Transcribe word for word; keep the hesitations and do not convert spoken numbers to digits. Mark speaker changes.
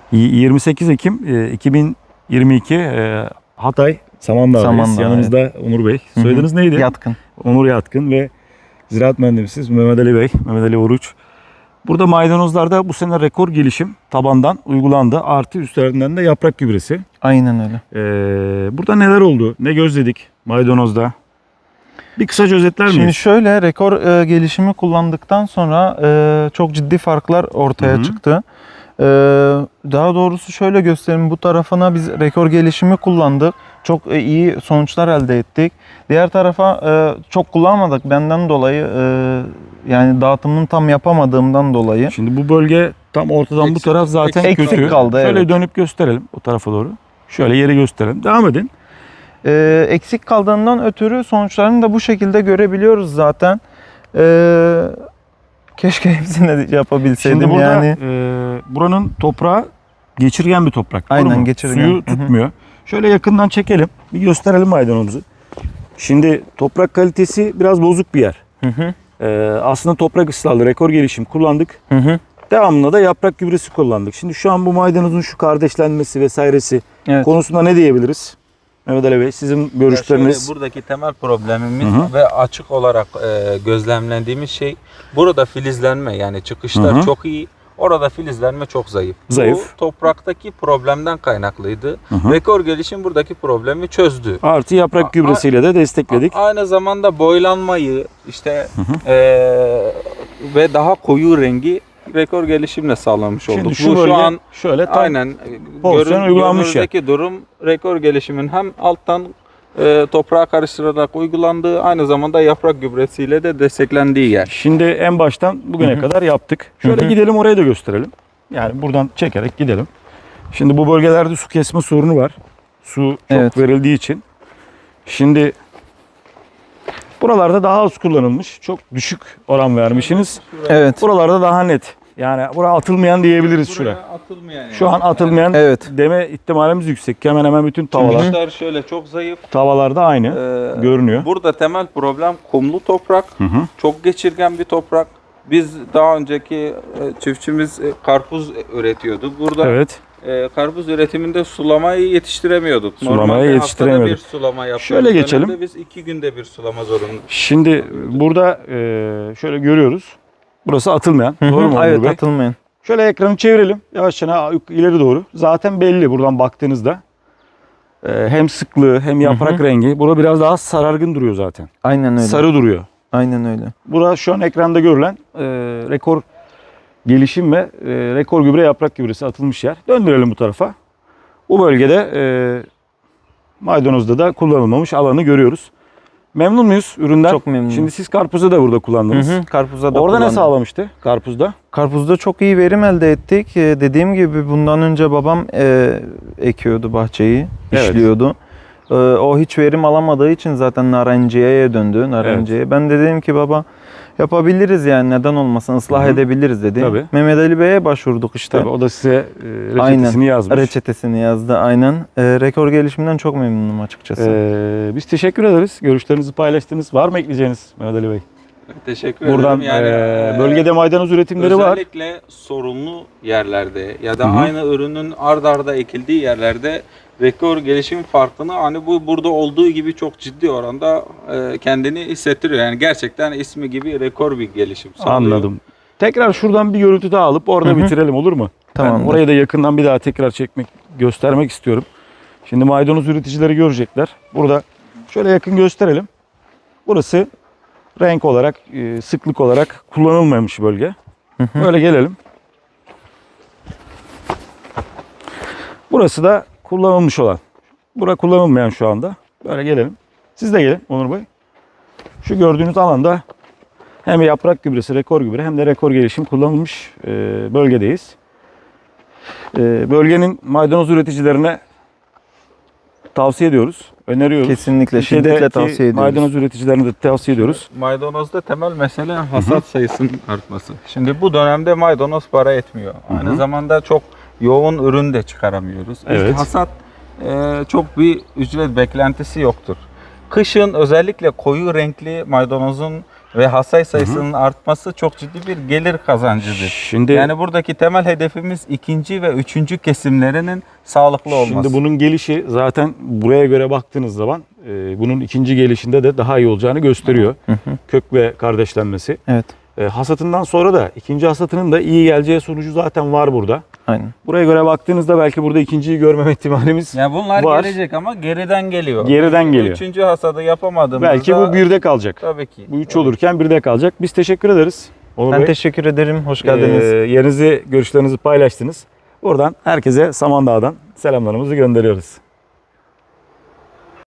Speaker 1: yirmi sekiz Ekim e, iki bin yirmi iki e, Hatay Samandağ'dayız.
Speaker 2: Samandağ,
Speaker 1: Yanımızda
Speaker 2: evet.
Speaker 1: Onur Bey. Soyadınız neydi?
Speaker 2: Yatkın.
Speaker 1: Onur Yatkın ve ziraat mühendisimiz Mehmet Ali Bey, Mehmet Ali Oruç. Burada maydanozlarda bu sene rekor gelişim tabandan uygulandı. Artı üstlerinden de yaprak gübresi.
Speaker 2: Aynen öyle.
Speaker 1: Ee, burada neler oldu? Ne gözledik maydanozda? Bir kısaca özetler miyiz?
Speaker 2: Şimdi şöyle rekor e, gelişimi kullandıktan sonra e, çok ciddi farklar ortaya
Speaker 1: Hı hı.
Speaker 2: çıktı. E, daha doğrusu şöyle göstereyim, bu tarafına biz rekor gelişimi kullandık. Çok e, iyi sonuçlar elde ettik. Diğer tarafa e, çok kullanmadık benden dolayı, e, yani dağıtımını tam yapamadığımdan dolayı.
Speaker 1: Şimdi bu bölge tam ortadan
Speaker 3: Eksik-
Speaker 1: bu taraf zaten
Speaker 2: eksik
Speaker 1: kötü.
Speaker 2: kaldı,
Speaker 1: Şöyle
Speaker 2: evet.
Speaker 1: dönüp gösterelim o tarafa doğru. Şöyle yeri gösterelim. Devam edin.
Speaker 2: E, eksik kaldığından ötürü sonuçlarını da bu şekilde görebiliyoruz zaten. E, keşke hepsini de yapabilseydim.
Speaker 1: Şimdi burada
Speaker 2: yani.
Speaker 1: e, buranın toprağı geçirgen bir toprak. doğru
Speaker 2: Aynen,
Speaker 1: mu?
Speaker 2: geçirgen.
Speaker 1: Suyu
Speaker 2: Hı hı.
Speaker 1: tutmuyor. Şöyle yakından çekelim. Bir gösterelim maydanozumuzu. Şimdi toprak kalitesi biraz bozuk bir yer.
Speaker 2: Hı hı.
Speaker 1: E, aslında toprak ıslahlı rekor gelişim kullandık.
Speaker 2: Hı hı.
Speaker 1: Devamında da yaprak gübresi kullandık. Şimdi şu an bu maydanozun şu kardeşlenmesi vesairesi
Speaker 2: Evet.
Speaker 1: konusunda ne diyebiliriz? Mehmet Ali Bey, sizin görüşleriniz.
Speaker 3: Ya şöyle, buradaki temel problemimiz
Speaker 1: Hı hı.
Speaker 3: ve açık olarak e, gözlemlendiğimiz şey burada filizlenme, yani çıkışlar
Speaker 1: Hı hı.
Speaker 3: çok iyi. Orada filizlenme çok zayıf.
Speaker 1: Zayıf.
Speaker 3: Bu topraktaki problemden kaynaklıydı.
Speaker 1: Hı hı.
Speaker 3: Rekor gelişim buradaki problemi çözdü.
Speaker 1: Artı yaprak
Speaker 3: A-
Speaker 1: gübresiyle de destekledik.
Speaker 3: A- Aynı zamanda boylanmayı işte
Speaker 1: Hı hı.
Speaker 3: e, ve daha koyu rengi rekor gelişimle sağlamış olduk.
Speaker 1: Şimdi şu,
Speaker 3: Bu
Speaker 1: bölge
Speaker 3: şu an
Speaker 1: şöyle tam
Speaker 3: aynen
Speaker 1: pozisyon
Speaker 3: görün,
Speaker 1: uygulanmış ya.
Speaker 3: görünürdeki durum rekor gelişimin hem alttan e, toprağa karıştırarak uygulandığı, aynı zamanda yaprak gübresiyle de desteklendiği yer.
Speaker 1: Şimdi en baştan bugüne
Speaker 2: Hı hı.
Speaker 1: kadar yaptık. Şöyle
Speaker 2: Hı hı.
Speaker 1: gidelim, oraya da gösterelim. Yani buradan çekerek gidelim. Şimdi bu bölgelerde su kesme sorunu var. Su çok
Speaker 2: Evet.
Speaker 1: verildiği için. Şimdi buralarda daha az kullanılmış. Çok düşük oran vermişsiniz.
Speaker 2: Evet.
Speaker 1: Buralarda daha net. Yani buraya atılmayan diyebiliriz şuraya.
Speaker 3: Buraya atılmayan yani.
Speaker 1: Şu an atılmayan
Speaker 2: Evet.
Speaker 1: deme ihtimalimiz yüksek. Hemen hemen bütün tavalar,
Speaker 3: Çıkışlar şöyle çok zayıf.
Speaker 1: tavallarda aynı
Speaker 3: Ee,
Speaker 1: görünüyor.
Speaker 3: Burada temel problem kumlu toprak.
Speaker 1: Hı hı.
Speaker 3: Çok geçirgen bir toprak. Biz daha önceki e, çiftçimiz e, karpuz üretiyordu. Burada
Speaker 1: Evet.
Speaker 3: e, karpuz üretiminde sulamayı yetiştiremiyorduk.
Speaker 1: Sulamayı
Speaker 3: Normalde
Speaker 1: yetiştiremiyorduk.
Speaker 3: haftada bir sulama yapıyoruz.
Speaker 1: Şöyle geçelim.
Speaker 3: Dönemde biz iki günde bir sulama zorundayız.
Speaker 1: Şimdi burada e, şöyle görüyoruz. Burası atılmayan.
Speaker 2: Hı hı.
Speaker 1: Doğru mu Onur
Speaker 2: Evet,
Speaker 1: Bey?
Speaker 2: atılmayın.
Speaker 1: Şöyle ekranı çevirelim. Yavaşça ileri doğru. Zaten belli buradan baktığınızda. E, hem sıklığı hem yaprak
Speaker 2: Hı hı.
Speaker 1: rengi. Burada biraz daha sarargın duruyor zaten.
Speaker 2: Aynen öyle.
Speaker 1: Sarı duruyor.
Speaker 2: Aynen öyle.
Speaker 1: Burası şu an ekranda görülen e, rekor gelişim ve e, rekor gübre yaprak gübresi atılmış yer. Döndürelim bu tarafa. Bu bölgede e, maydanozda da kullanılmamış alanı görüyoruz. Memnun muyuz üründen?
Speaker 2: Çok memnunum.
Speaker 1: Şimdi siz karpuzu da burada
Speaker 2: Hı
Speaker 1: kullandınız.
Speaker 2: hı. Karpuzda da
Speaker 1: Orada ne
Speaker 2: kullandım.
Speaker 1: sağlamıştı karpuzda?
Speaker 2: Karpuzda çok iyi verim elde ettik. Ee, dediğim gibi bundan önce babam e, ekiyordu bahçeyi,
Speaker 1: Evet.
Speaker 2: işliyordu. Ee, o hiç verim alamadığı için zaten narenciyeye döndü. Narenciye. Ben de dedim ki baba yapabiliriz, yani neden olmasın, ıslah
Speaker 1: Hı hı.
Speaker 2: edebiliriz dedi.
Speaker 1: Tabii.
Speaker 2: Mehmet Ali Bey'e başvurduk işte.
Speaker 1: Tabii o da size e, reçetesini
Speaker 2: Aynen.
Speaker 1: yazmış.
Speaker 2: Reçetesini yazdı aynen. Ee, rekor gelişiminden çok memnunum açıkçası.
Speaker 1: Ee, biz teşekkür ederiz. Görüşlerinizi paylaştınız. Var mı ekleyeceğiniz Mehmet Ali Bey?
Speaker 3: Teşekkür
Speaker 1: Buradan
Speaker 3: ederim. Yani,
Speaker 1: e,
Speaker 3: e,
Speaker 1: bölgede maydanoz üretimleri var.
Speaker 3: Özellikle sorunlu yerlerde ya da
Speaker 1: Hı hı.
Speaker 3: aynı ürünün ard arda ekildiği yerlerde rekor gelişim farkını hani bu burada olduğu gibi çok ciddi oranda e, kendini hissettiriyor. Yani gerçekten ismi gibi rekor bir gelişim sağlıyor.
Speaker 1: Anladım. Tekrar şuradan bir görüntü daha alıp orada
Speaker 2: Hı hı.
Speaker 1: bitirelim, olur mu? Ben
Speaker 2: Tamamdır.
Speaker 1: orayı da yakından bir daha tekrar çekmek, göstermek istiyorum. Şimdi maydanoz üreticileri görecekler. Burada şöyle yakın gösterelim. Burası renk olarak, e, sıklık olarak kullanılmamış bölge.
Speaker 2: Hı hı.
Speaker 1: Böyle gelelim. Burası da kullanılmış olan. Bura kullanılmayan şu anda. Böyle gelelim. Siz de gelin Onur Bey. Şu gördüğünüz alanda hem yaprak gübresi, rekor gübre hem de rekor gelişim kullanılmış e, bölgedeyiz. E, bölgenin maydanoz üreticilerine tavsiye ediyoruz, öneriyoruz.
Speaker 2: Kesinlikle,
Speaker 1: Türkiye'deki
Speaker 2: şiddetle tavsiye ediyoruz.
Speaker 1: Maydanoz üreticilerine de tavsiye ediyoruz.
Speaker 3: Maydanozda temel mesele hasat sayısının artması. Şimdi bu dönemde maydanoz para etmiyor. Aynı
Speaker 1: hı.
Speaker 3: zamanda çok yoğun ürün de çıkaramıyoruz. Biz
Speaker 1: Evet.
Speaker 3: Hasat e, çok bir ücret beklentisi yoktur. Kışın özellikle koyu renkli maydanozun ve hasay sayısının artması çok ciddi bir gelir kazancıdır.
Speaker 1: Şimdi
Speaker 3: Yani buradaki temel hedefimiz ikinci ve üçüncü kesimlerinin sağlıklı olması.
Speaker 1: Şimdi bunun gelişi zaten buraya göre baktığınız zaman e, bunun ikinci gelişinde de daha iyi olacağını gösteriyor.
Speaker 2: Hı hı.
Speaker 1: Kök ve kardeşlenmesi.
Speaker 2: Evet.
Speaker 1: E, hasatından sonra da ikinci hasatının da iyi geleceği sonucu zaten var burada.
Speaker 2: Aynen.
Speaker 1: Buraya göre baktığınızda belki burada ikinciyi görmeme ihtimalimiz
Speaker 3: Ya bunlar
Speaker 1: var.
Speaker 3: gelecek ama geriden geliyor.
Speaker 1: Geriden geliyor.
Speaker 3: Üçüncü hasadı yapamadığımızda
Speaker 1: Belki bu birde kalacak.
Speaker 3: tabii ki.
Speaker 1: Bu üç olurken birde kalacak. Biz teşekkür ederiz. Onur
Speaker 2: Ben
Speaker 1: Bey.
Speaker 2: teşekkür ederim. Hoş geldiniz.
Speaker 1: Ee, yerinizi, görüşlerinizi paylaştınız. Buradan herkese Samandağ'dan selamlarımızı gönderiyoruz.